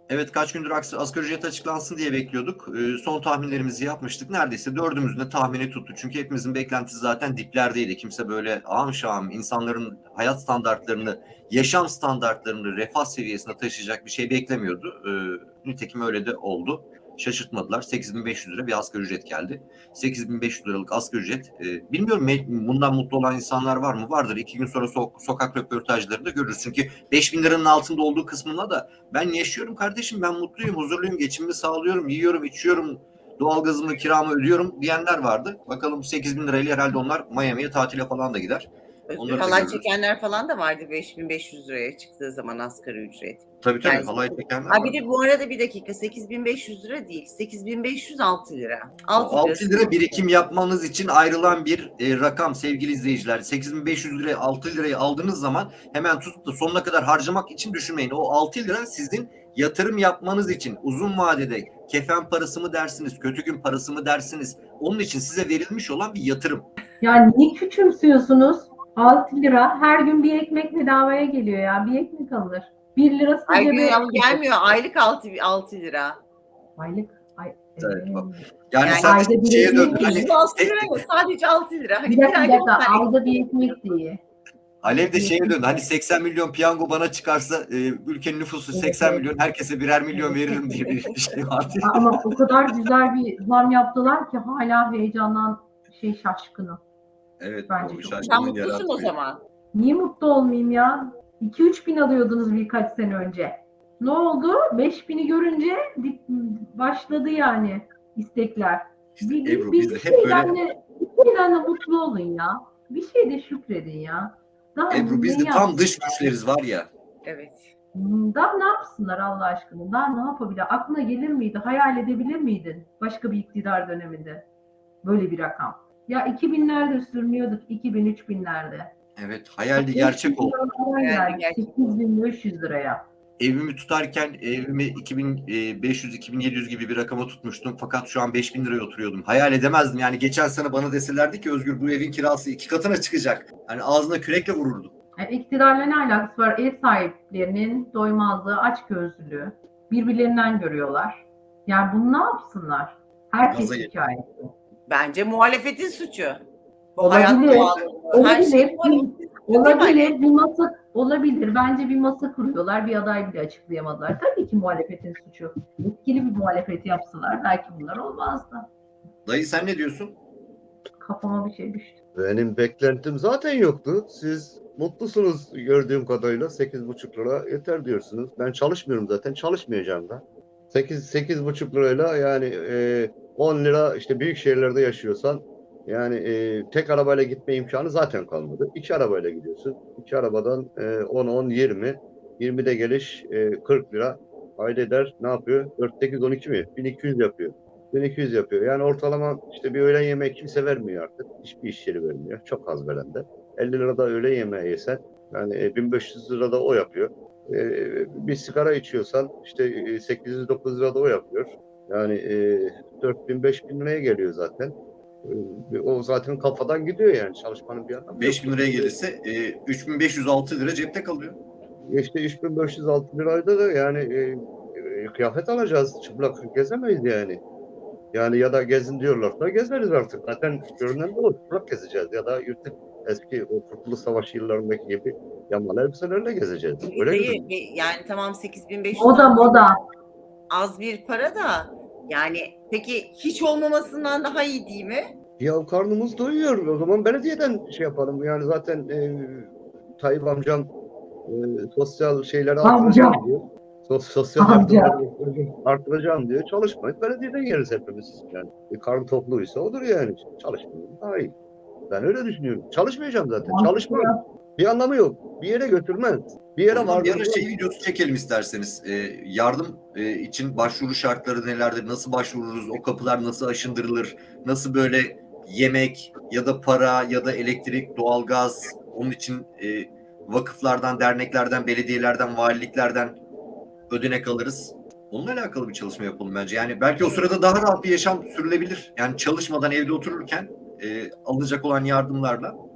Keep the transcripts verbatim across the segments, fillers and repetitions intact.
Evet, kaç gündür asgari ücret açıklansın diye bekliyorduk. Ee, son tahminlerimizi yapmıştık. Neredeyse dördümüzün de tahmini tuttu. Çünkü hepimizin beklentisi zaten diplerdeydi. Kimse böyle ağam şahım insanların hayat standartlarını, yaşam standartlarını refah seviyesine taşıyacak bir şey beklemiyordu. Ee, nitekim öyle de oldu. Şaşırtmadılar. sekiz bin beş yüz lira bir asgari ücret geldi. sekiz bin beş yüz liralık asgari ücret. E, bilmiyorum bundan mutlu olan insanlar var mı? Vardır. İki gün sonra so- sokak röportajlarında görürüz. Çünkü beş bin liranın altında olduğu kısmına da ben yaşıyorum kardeşim, ben mutluyum, huzurluyum, geçimimi sağlıyorum, yiyorum, içiyorum, doğalgazımı, kiramı ödüyorum diyenler vardı. Bakalım sekiz bin lirayla herhalde onlar Miami'ye tatile falan da gider. Özgür, halay çekenler falan da vardı beş bin beş yüz liraya çıktığı zaman asgari ücret. Tabii tabii, yani, halay çekenler vardı. Bir de bu arada bir dakika, sekiz bin beş yüz lira değil, sekiz bin beş yüz altı lira. altı, altı lira birikim yapmanız için ayrılan bir e, rakam sevgili izleyiciler. sekiz bin beş yüz liraya altı lirayı aldığınız zaman hemen tutup da sonuna kadar harcamak için düşünmeyin. O altı lira sizin yatırım yapmanız için uzun vadede kefen parası mı dersiniz, kötü gün parası mı dersiniz? Onun için size verilmiş olan bir yatırım. Yani niye küçümsüyorsunuz? altı lira her gün bir ekmek bedavaya geliyor ya. Bir ekmek alır. bir lirası Her gün gelmiyor. Aylık altı lira. Aylık. Ay, evet. e, yani, yani sadece şeye döndü. Hani, sadece altı lira. Hani bir dakika, bir dakika. Ayda bir ekmek diye. Alev de şeye döndü. Hani seksen milyon piyango bana çıkarsa e, ülkenin nüfusu evet, seksen evet. milyon, herkese birer milyon evet, veririm diye bir şey vardı. Ama o kadar güzel bir zam yaptılar ki hala heyecandan şey şaşkınım. Evet. Bence o çok. Sen mutlusun o zaman. Niye mutlu olmayayım ya? iki üç bin alıyordunuz birkaç sene önce. Ne oldu? beş bini görünce başladı yani istekler. İşte bir, Ebru, bir, biz de bir hep şeyden böyle... de, bir şeyden de mutlu olun ya. Bir şeyde şükredin ya. Daha Ebru, biz de tam yapsınlar? Dış güçleriz var ya. Evet. Daha ne yapsınlar Allah aşkına? Daha ne yapabilir? Aklına gelir miydi? Hayal edebilir miydin? Başka bir iktidar döneminde. Böyle bir rakam. Ya iki binlerde sürünüyorduk. iki bin üç binlerde. Evet, hayaldi gerçek oldu. Yani sekiz bin beş yüz liraya. Evimi tutarken evimi iki bin beş yüz iki bin yedi yüz gibi bir rakama tutmuştum. Fakat şu an beş bin liraya oturuyordum. Hayal edemezdim. Yani geçen sene bana deselerdi ki Özgür, bu evin kirası iki katına çıkacak. Hani ağzına kürekle vururdum. Yani iktidarla ne alakası var? Ev sahiplerinin doymazlığı, açgözlülüğü birbirlerinden görüyorlar. Yani bunu ne yapsınlar? Herkes hikayesi. Bence muhalefetin suçu. Olabilir. Olabilir. Olabilir. Bir masa olabilir. Bence bir masa kuruyorlar. Bir aday bile açıklayamadılar. Tabii ki muhalefetin suçu. Etkili bir muhalefet yapsalar belki bunlar olmazdı. Dayı sen ne diyorsun? Kafama bir şey düştü. Benim beklentim zaten yoktu. Siz mutlusunuz gördüğüm kadarıyla. sekiz buçuk lira yeter diyorsunuz. Ben çalışmıyorum zaten. Çalışmayacağım da. sekiz sekiz buçuk lirayla yani e, on lira işte büyük şehirlerde yaşıyorsan yani e, tek arabayla gitme imkanı zaten kalmadı. İki arabayla gidiyorsun. İki arabadan e, on on yirmi yirmide geliş e, kırk lira. Ayda eder ne yapıyor? dört sekiz on iki mi? bin iki yüz yapıyor. bin iki yüz yapıyor. Yani ortalama işte bir öğlen yemeği kimse vermiyor artık. Hiçbir iş yeri vermiyor. Çok az veren de. elli lirada öğlen yemeği yesen yani bin beş yüz lirada o yapıyor. Ee, bir sigara içiyorsan işte sekiz yüz dokuz lirada o yapıyor. Yani e, dört bin beş bin liraya geliyor zaten. E, o zaten kafadan gidiyor yani çalışmanın bir anlamı yok. beş bin liraya gelirse e, üç bin beş yüz altı lira cepte kalıyor. İşte üç bin beş yüz altı lirayda da yani e, e, kıyafet alacağız. Çıplak gezemeyiz yani. Yani ya da gezin diyorlarsa gezeriz artık. Zaten görünen bu. Çıplak gezeceğiz ya da yırtık eski o Kurtuluş Savaşı yıllarındaki gibi yamalı elbiselerle gezeceğiz. Öyle Dayı, yani tamam sekiz bin beş yüz moda moda. Az bir para da yani peki hiç olmamasından daha iyi değil mi? Ya karnımız doyuyor. O zaman belediyeden şey yapalım. Yani zaten e, Tayyip amcam e, sosyal şeyleri artıracağım diyor. Sos, sosyal yardımları artıracağım diyor. Çalışmayın. Belediyeden yeriz hepimiz. Yani bir karın topluysa odur yani. Çalışmayın. Daha iyi. Ben öyle düşünüyorum. Çalışmayacağım zaten. Çalışmayın. Bir anlamı yok. Bir yere götürmez. Bir yere var. Bir ara şey videosu çekelim isterseniz. Ee, yardım e, için başvuru şartları nelerdir? Nasıl başvururuz? O kapılar nasıl aşındırılır? Nasıl böyle yemek ya da para ya da elektrik, doğalgaz, onun için e, vakıflardan, derneklerden, belediyelerden, valiliklerden ödenek alırız. Onunla alakalı bir çalışma yapalım bence. Yani belki o sırada daha rahat bir yaşam sürülebilir. Yani çalışmadan evde otururken e, alınacak olan yardımlarla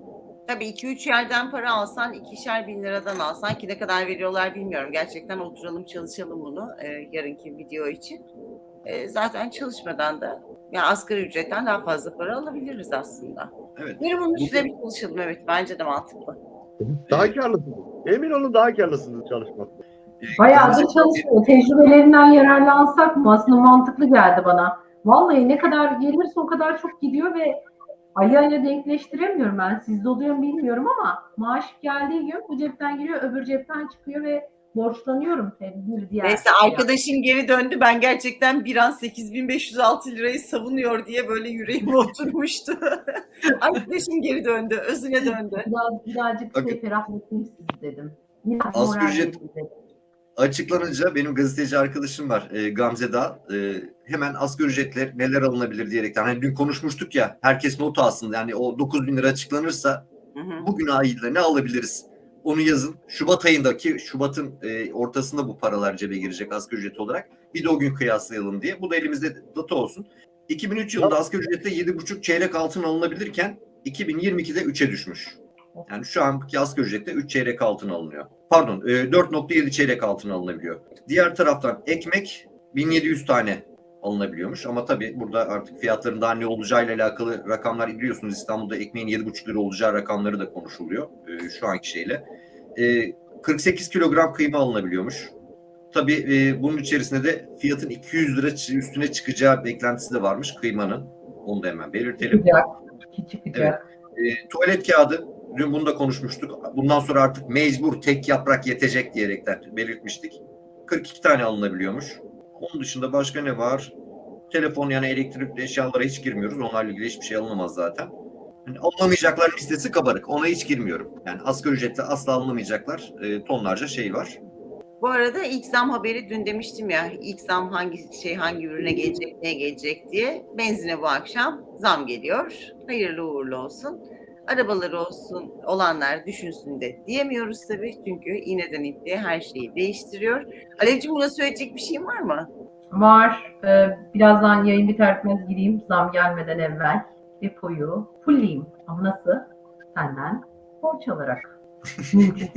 Tabii iki üç yerden para alsan, ikişer bin liradan alsan ki ne kadar veriyorlar bilmiyorum. Gerçekten oturalım çalışalım bunu e, yarınki video için. E, zaten çalışmadan da yani asgari ücretten daha fazla para alabiliriz aslında. Evet. Bir bunun Bu- üstüne bir çalışalım, evet, bence de mantıklı. Daha Evet. karlısınız. Emin olun daha karlısınız çalışmakta. Ee, Bayağıdır Gamze- çalışmıyor. Tecrübelerinden yararlansak mı? Aslında mantıklı geldi bana. Vallahi ne kadar gelirse o kadar çok gidiyor ve ay ayla denkleştiremiyorum ben. Sizde oluyor mu bilmiyorum ama maaş geldiği gün bu cepten giriyor, öbür cepten çıkıyor ve borçlanıyorum tabii bir diğer. Neyse arkadaşım geri döndü. Ben gerçekten bir an sekiz bin beş yüz altı lirayı savunuyor diye böyle yüreğime oturmuştu. Arkadaşım geri döndü. Özüne döndü. Biraz, birazcık Bakın. şey ferahlatayım sizi dedim. Biraz Asgari moral ücret- vereyim dedim. Açıklanınca benim gazeteci arkadaşım var e, Gamze Dağ. E, hemen asgari ücretler neler alınabilir diyerekten. Hani dün konuşmuştuk ya, herkes not alsın. Yani o dokuz bin lira açıklanırsa Hı hı. bugün ayında ne alabiliriz? Onu yazın. Şubat ayındaki, Şubat'ın e, ortasında bu paralar cebe girecek asgari ücret olarak. Bir de o gün kıyaslayalım diye. Bu da elimizde data olsun. iki bin üç yılında asgari ücrette yedi buçuk çeyrek altın alınabilirken iki bin yirmi ikide üçe düşmüş. Yani şu anki asgari ücrette üç çeyrek altın alınıyor. Pardon, e, dört nokta yedi çeyrek altın alınabiliyor. Diğer taraftan ekmek bin yedi yüz tane alınabiliyormuş. Ama tabii burada artık fiyatların daha ne olacağıyla alakalı rakamlar biliyorsunuz. İstanbul'da ekmeğin yedi buçuk lira olacağı rakamları da konuşuluyor e, şu anki şeyle. E, kırk sekiz kilogram kıyma alınabiliyormuş. Tabii e, bunun içerisinde de fiyatın iki yüz lira üstüne çıkacağı beklentisi de varmış kıymanın. Onu da hemen belirtelim. Çıkacak. Ki çıkacak. E, tuvalet kağıdı, dün bunu da konuşmuştuk. Bundan sonra artık mecbur tek yaprak yetecek diyerekten belirtmiştik. kırk iki tane alınabiliyormuş. Onun dışında başka ne var? Telefon, yani elektrikli eşyalara hiç girmiyoruz. Onlarla ilgili hiçbir şey alınamaz zaten. Yani alınamayacaklar listesi kabarık. Ona hiç girmiyorum. Yani asgari ücretle asla alınamayacaklar. E, tonlarca şey var. Bu arada ilk zam haberi dün demiştim ya, ilk zam hangi şey hangi ürüne gelecek, neye gelecek diye. Benzine bu akşam zam geliyor. Hayırlı uğurlu olsun. Arabaları olsun olanlar düşünsün de diyemiyoruz tabii. Çünkü iğneden ipliğe her şeyi değiştiriyor. Alevciğim, buna söyleyecek bir şeyin var mı? Var. Ee, birazdan yayın biter bitmez gireyim zam gelmeden evvel. Depoyu fullleyeyim. Ama nasıl? Senden borç alarak. Mümkünse.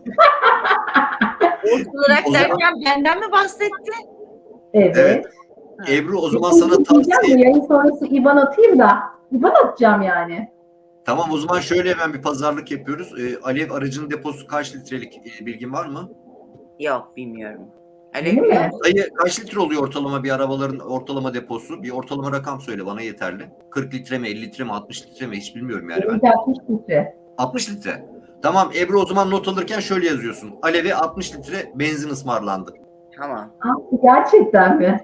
Borç olarak O zaman- derken benden mi bahsetti? Evet. Evet. Ebru, o zaman Depoyu sana fullleyeceğim tavsiye. de Yayın sonrası İban atayım da. İban atacağım yani. Tamam, o zaman şöyle hemen bir pazarlık yapıyoruz. E, Alev aracının deposu kaç litrelik, e, bilgin var mı? Yok, bilmiyorum. Alev Değil biliyor mi? musun? Dayı, kaç litre oluyor ortalama bir arabaların ortalama deposu? Bir ortalama rakam söyle bana, yeterli. kırk litre mi, elli litre mi, altmış litre mi, hiç bilmiyorum yani ben. Benimki altmış litre. altmış litre. Tamam Ebru, o zaman not alırken şöyle yazıyorsun. Alev'e altmış litre benzin ısmarlandı. Tamam. Ha, gerçekten mi?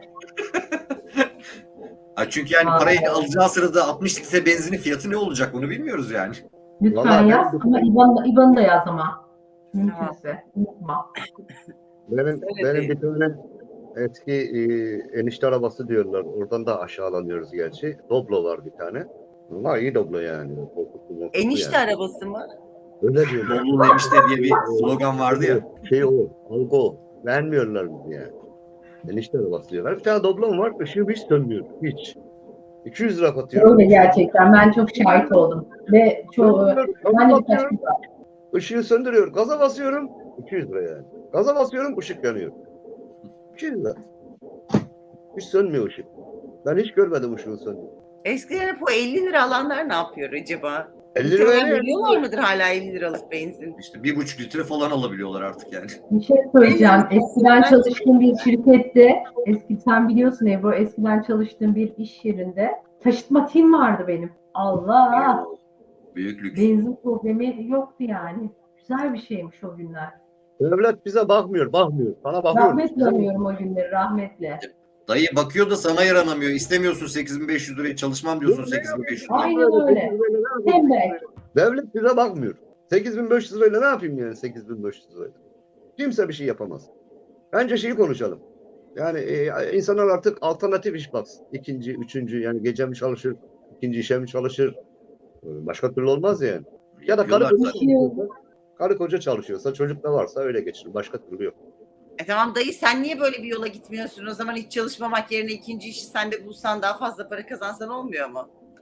Ha, çünkü yani Aa. parayı alacağı sırada altmış litre benzinin fiyatı ne olacak onu bilmiyoruz yani. Lütfen Vallahi yaz ben- ama İban, İban'ı da yaz ama. Mümkünse. Unutma. Benim, Öyle benim değil. bir tane eski e, enişte arabası diyorlar. Oradan da aşağılanıyoruz gerçi. Doblo var bir tane. Ama iyi Doblo yani. Korkutlu, korkutlu Enişte yani. arabası mı? Öyle diyorlar. Dolu enişte diye bir slogan vardı ya. Şey o, algı o. Vermiyorlar bizi yani. Enişte arabası diyorlar. Bir tane Doblo'm var. Işığı hiç sönmüyor. Hiç. iki yüz lira katıyorum. Öyle gerçekten. Ben çok şahit oldum. Ve çoğu, ben de birkaç kez var. Işığı söndürüyor. Gaza basıyorum. iki yüz lira yani. Gaza basıyorum, ışık yanıyor. iki yüz lira. Hiç sönmüyor ışık. Ben hiç görmedim ışığın söndüğünü. Eskiden hep o elli lira alanlar ne yapıyor acaba? elli lira Muhtemelen ne? veriyorlar mıdır hala elli liralık benzin? İşte bir buçuk litre falan alabiliyorlar artık yani. Bir şey söyleyeceğim. Eskiden çalıştığım bir şirkette, eski sen biliyorsun Ebru, eskiden çalıştığım bir iş yerinde taşıtma tim vardı benim. Allah! Büyük lüks. Benzin problemi yoktu yani. Güzel bir şeymiş o günler. Devlet bize bakmıyor, bakmıyor. Sana bakıyor. Rahmetle anıyorum o günleri, rahmetle. Dayı bakıyor da sana yaranamıyor. İstemiyorsun sekiz bin beş yüz lirayı, çalışmam diyorsun sekiz bin beş yüz lirayı. Aynen öyle. Tembel. Devlet bize bakmıyor. sekiz bin beş yüz lirayla ne yapayım yani sekiz bin beş yüz lirayla? Kimse bir şey yapamaz. Bence şeyi konuşalım. Yani e, insanlar artık alternatif iş baksın. İkinci, üçüncü, yani gece mi çalışır, ikinci işe mi çalışır? Başka türlü olmaz yani. Ya da karı Yapıyorlar koca zaten. çalışıyorsa, karı koca çalışıyorsa, çocuk da varsa öyle geçirir. Başka türlü yok. E tamam dayı, sen niye böyle bir yola gitmiyorsun? O zaman hiç çalışmamak yerine ikinci işi sen de bulsan, daha fazla para kazansan olmuyor mu?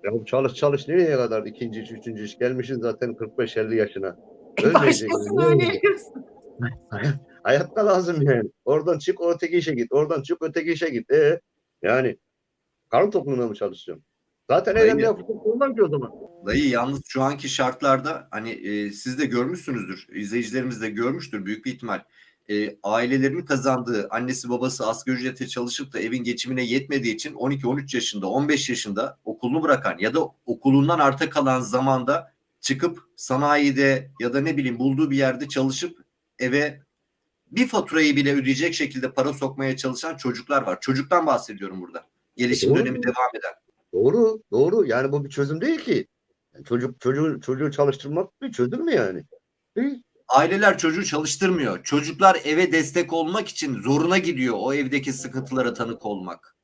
Ya bu çalış çalış nereye kadar ikinci iş, üçüncü iş gelmişsin zaten kırk beş elli yaşına. E, Ölmeyecek. başkasını Yani. öneriyorsun. Hayat, hayatta lazım yani. Oradan çık o öteki işe git. Oradan çık öteki işe git. E, yani karın tokluğuna mı çalışacağım? Zaten Dayı, elimde yapacak olmam ki o zaman. dayı yalnız şu anki şartlarda hani e, siz de görmüşsünüzdür, izleyicilerimiz de görmüştür büyük bir ihtimal. E, ailelerinin kazandığı, annesi babası asgari ücrete çalışıp da evin geçimine yetmediği için on iki on üç yaşında, on beş yaşında okulunu bırakan ya da okulundan arta kalan zamanda çıkıp sanayide ya da ne bileyim bulduğu bir yerde çalışıp eve bir faturayı bile ödeyecek şekilde para sokmaya çalışan çocuklar var. Çocuktan bahsediyorum burada. Gelişim Doğru. dönemi devam eden. Doğru, doğru. Yani bu bir çözüm değil ki. Yani çocuk çocuğu çocuğu çalıştırmak bir çözüm mü yani? Değil. Aileler çocuğu çalıştırmıyor. Çocuklar eve destek olmak için zoruna gidiyor o evdeki sıkıntılara tanık olmak.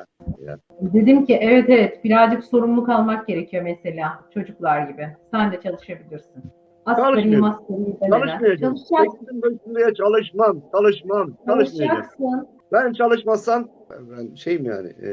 Dedim ki evet evet birazcık sorumluluk almak gerekiyor mesela çocuklar gibi. Sen de çalışabilirsin. Asgari Çalışmıyorum. masgari demeden. Çalışmayacağım. Çalışacaksın. sekizin beşinde çalışmam, çalışmam, çalışmayacağım. Çalışacaksın. Ben çalışmazsam ben, ben şeyim yani e,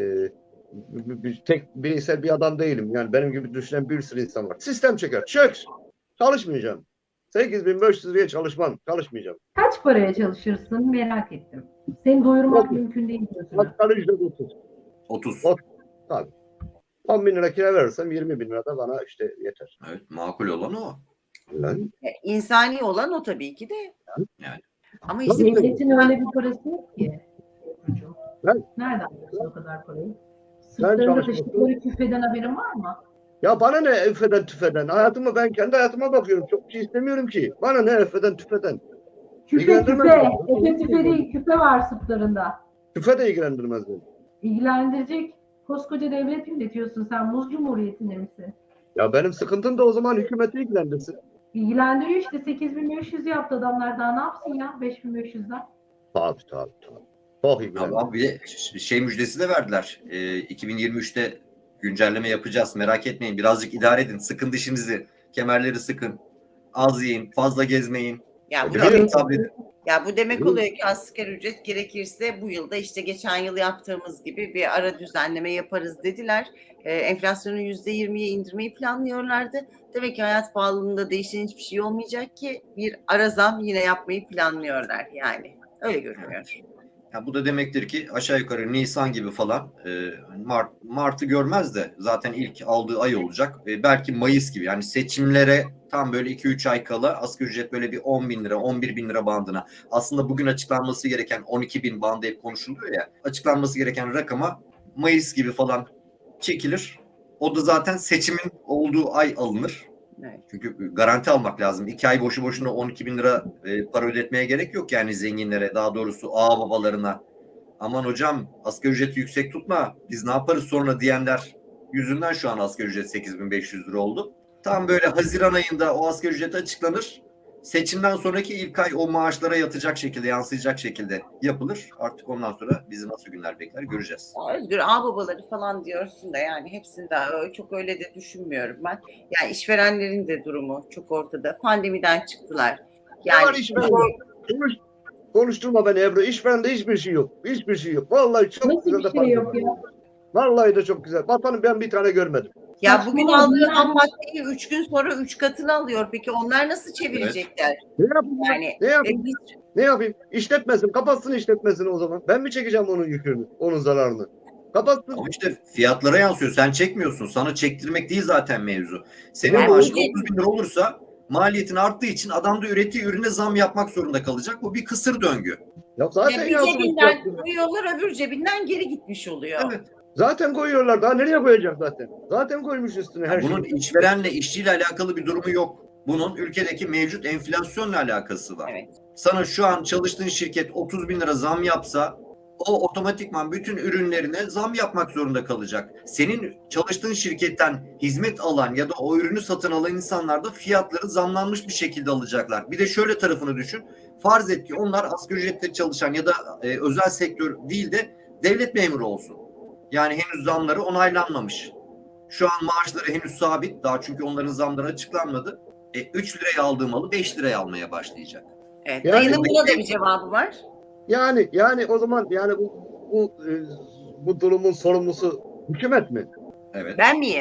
bir, bir- tek bireysel bir adam değilim. Yani benim gibi düşünen bir sürü insan var. Sistem çeker. Çök. Çalışmayacağım. sekiz bin beş yüz liraya çalışmam. Çalışmayacağım. Kaç paraya çalışırsın merak ettim. Seni doyurmak Otuz. mümkün değil diyorsun. Asgari ücret otuz. otuz. Ot- Tabii. on bin lira kira verirsem yirmi bin lira da bana işte yeter. Evet, makul olan o. Lan. E, İnsani olan o tabii ki de. Yani. Ama işte Tabii. Devletin öyle bir parası yok ki. Ebru'cum. Ben- Nereden biliyorsun o kadar parayı? Ben Sırtlarında çalışmasın. taşıdıkları küfeden haberin var mı? Ya bana ne üfeden tüfeden? Hayatıma ben kendi hayatıma bakıyorum. Çok bir şey istemiyorum ki. Bana ne üfeden tüfeden? Küpe İlgilendirmez küpe. beni. Efe küpe değil küpe var sırtlarında. Tüfe de ilgilendirmez beni. İlgilendirecek. Koskoca devlet yönetiyorsun sen. Muz Cumhuriyeti'nde misin? Ya benim sıkıntım da o zaman hükümeti ilgilendirsin. İlgilendiriyor işte. sekiz bin beş yüz yaptı adamlar daha ne yapsın ya beş bin beş yüzden. Tabii tabii tabii. Çok ilgilendiriyor. Ama bir de ş- şey müjdesi de verdiler. Ee, iki bin yirmi üçte güncelleme yapacağız. Merak etmeyin. Birazcık idare edin. Sıkın dişinizi. Kemerleri sıkın. Az yiyin. Fazla gezmeyin. ya bu, Biliyorum. demek, Sabredin. ya bu demek Biliyorum. oluyor ki asgari ücret gerekirse bu yılda işte geçen yıl yaptığımız gibi bir ara düzenleme yaparız dediler. Ee, enflasyonu yüzde yirmiye indirmeyi planlıyorlardı. Demek ki hayat pahalılığında değişen hiçbir şey olmayacak ki bir ara zam yine yapmayı planlıyorlar yani. Öyle görünüyor. Ya bu da demektir ki aşağı yukarı Nisan gibi falan e, Mart, Mart'ı görmez de zaten ilk aldığı ay olacak. E, belki Mayıs gibi yani seçimlere tam böyle iki üç ay kala asgari ücret böyle bir on bin lira on bir bin lira bandına. Aslında bugün açıklanması gereken on iki bin bandı hep konuşuluyor ya. Açıklanması gereken rakama Mayıs gibi falan çekilir. O da zaten seçimin olduğu ay alınır. Evet. Çünkü garanti almak lazım. İki ay boşu boşuna on iki bin lira e, para ödetmeye gerek yok yani zenginlere, daha doğrusu ağa babalarına. Aman hocam asgari ücreti yüksek tutma, biz ne yaparız sonra diyenler yüzünden şu an asgari ücret sekiz bin beş yüz lira oldu. Tam böyle Haziran ayında o asgari ücret açıklanır. Seçimden sonraki ilk ay o maaşlara yatacak şekilde, yansıyacak şekilde yapılır. Artık ondan sonra bizi nasıl günler bekler göreceğiz. Özgür ağababaları falan diyorsun da yani hepsinde öyle- çok öyle de düşünmüyorum ben. Yani işverenlerin de durumu çok ortada. Pandemiden çıktılar. Ne var Yani işverende? Konuş, konuşturma beni Ebru. İşverende hiçbir şey yok. Hiçbir şey yok. Vallahi çok Nasıl güzel bir de şey para yok kazanıyor. ya? Vallahi de çok güzel. Vatanı ben bir tane görmedim. ya bugün Saçmalama, aldığı bunlar- ham maddeyi üç gün sonra üç katını alıyor. Peki onlar nasıl çevirecekler? Ne yapayım? ben? Yani Ne e, yapayım? biz Ne yapayım? İşletmesin. Kapatsın işletmesini o zaman. Ben mi çekeceğim onun yükünü? Onun zararını? Kapatsın. Ama işte fiyatlara yansıyor. Sen çekmiyorsun. Sana çektirmek değil zaten mevzu. Senin Yani maaşın ücret- otuz bin lira olursa maliyetin arttığı için adam da ürettiği ürüne zam yapmak zorunda kalacak. Bu bir kısır döngü. Ya zaten ya bir yansımış cebinden fiyatları. koyuyorlar öbür cebinden geri gitmiş oluyor. Evet. Zaten koyuyorlar. Daha nereye koyacak zaten? Zaten koymuş üstüne her Bunun şeyi. işverenle, işçiyle alakalı bir durumu yok. Bunun ülkedeki mevcut enflasyonla alakası var. Evet. Sana şu an çalıştığın şirket otuz bin lira zam yapsa o otomatikman bütün ürünlerine zam yapmak zorunda kalacak. Senin çalıştığın şirketten hizmet alan ya da o ürünü satın alan insanlar da fiyatları zamlanmış bir şekilde alacaklar. Bir de şöyle tarafını düşün. Farz et ki onlar asgari ücretle çalışan ya da e, özel sektör değil de devlet memuru olsun. Yani henüz zamları onaylanmamış. Şu an maaşları henüz sabit. Daha çünkü onların zamları açıklanmadı. E, üç liraya aldığı malı beş liraya almaya başlayacak. Evet. Yani- Dayının buna da bir cevabı var. Yani yani o zaman yani bu bu e, bu durumun sorumlusu hükümet mi? Evet. Ben miyim?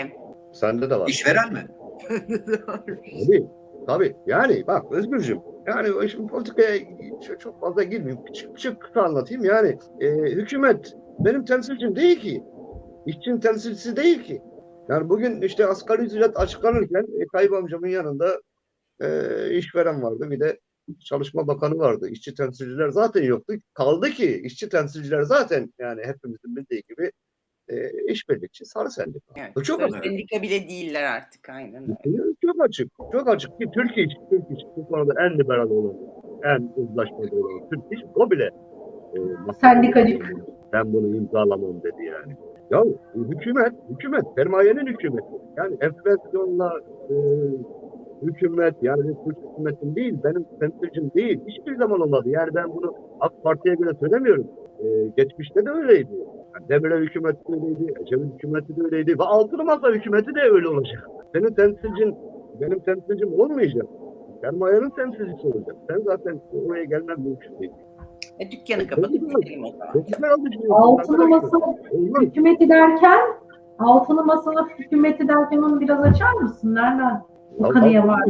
Sende de var. İşveren mi? Tabii. Tabii. Yani bak Özgürcüğüm. Yani o şimdi politikaya çok- çok fazla girmeyeyim. Küçük küçük kısa anlatayım. Yani e, hükümet benim temsilcim değil ki. İşçinin temsilcisi değil ki. Yani bugün işte asgari ücret açıklanırken e, Tayyip amcamın yanında e, işveren vardı. Bir de Çalışma Bakanı vardı. İşçi temsilciler zaten yoktu. Kaldı ki işçi temsilciler zaten yani hepimizin bildiği gibi e, işbirlikçi sarı sendika. Evet, Bu çok sarı açık. sendika bile değiller artık, aynen öyle. Çok açık. Çok açık ki Türkiye iş, Türkiye iş bu konuda en liberal olan, en uzlaşmacı olan Türkiye iş o bile e, Sendikacı. ben bunu imzalamam dedi yani. Ya hükümet, hükümet, sermayenin hükümeti. Yani enflasyonla e, hükümet, yani Türk hükümetin değil, benim temsilcim değil. Hiçbir zaman olmadı. Yani ben bunu AK Parti'ye göre söylemiyorum. E, geçmişte de öyleydi. Yani Demirel hükümeti de öyleydi, Ecevit hükümeti de öyleydi ve Altılı Masa hükümeti de öyle olacak. Senin temsilcin, benim temsilcim olmayacak. Sermayenin temsilcisi olacak. Sen zaten oraya gelmen mümkün değil. E, dükkanı kapatıp gidelim o zaman. Çok güzel düşünüyorsun Altılı arkadaşlar. Masa Olmaz. hükümeti derken, Altılı Masa hükümeti derken onu biraz açar mısın? Nereden bu Ya, kanıya var?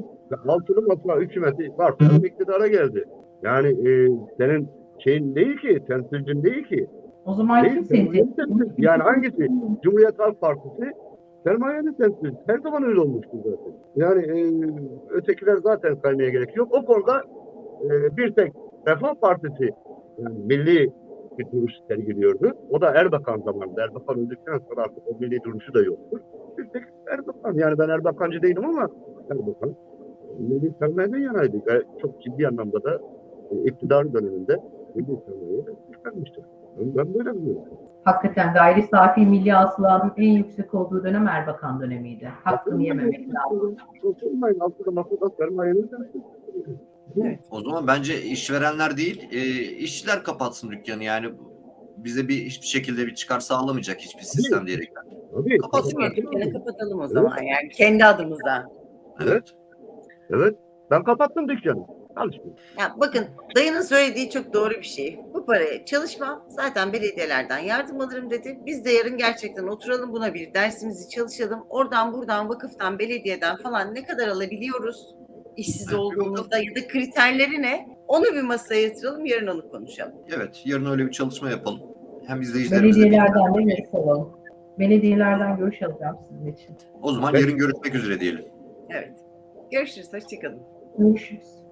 Altılı Masa hükümeti varsayalım iktidara geldi. Yani e, senin şeyin değil ki, temsilcin değil ki. O zaman Değil, kim seni sermayenin temsil temsilcisi. Yani hangisi? Cumhuriyet Halk Partisi sermayenin temsilcisi. Her zaman öyle olmuştur zaten. Yani e, ötekiler zaten saymaya gerek yok. O konuda e, bir tek Refah Partisi yani milli bir duruş sergiliyordu. O da Erbakan zamanında. Erbakan öldükten sonra artık o milli duruşu da yoktur. Bir tek Erbakan. Yani ben Erbakancı değilim ama Erbakan milli sermayeden yanaydı. Ve çok ciddi anlamda da e, iktidar döneminde milli sermayeye çıkarmıştır. Ben, ben böyle biliyorum. Hakikaten gayri safi milli hasılanın en yüksek olduğu dönem Erbakan dönemiydi. Hakkını yememek lazım. Olmayın altıda masada sermayenin temsilcisi. Evet. O zaman bence işverenler değil, e, işçiler kapatsın dükkanı. Yani bize bir hiçbir şekilde bir çıkar sağlamayacak hiçbir sistem diyerekten. Tabii. Kapatsınlar. Dükkanı kapatalım o zaman, yani kendi adımıza. Evet. Evet. Ben kapattım dükkanı. Çalışmıyorum. Ya bakın, dayının söylediği çok doğru bir şey. Bu paraya çalışmam, zaten belediyelerden yardım alırım dedi. Biz de yarın gerçekten oturalım, buna bir dersimizi çalışalım. Oradan buradan vakıftan, belediyeden falan ne kadar alabiliyoruz işsiz olduğumuzda ya da kriterleri ne? Onu bir masaya yatıralım, yarın onu konuşalım. Evet. Yarın öyle bir çalışma yapalım. Hem izleyicilerimize Belediyelerden de görüş alalım. Belediyelerden görüş alacağım sizin için. O zaman Evet. yarın görüşmek üzere diyelim. Evet. Görüşürüz, hoşçakalın. Görüşürüz.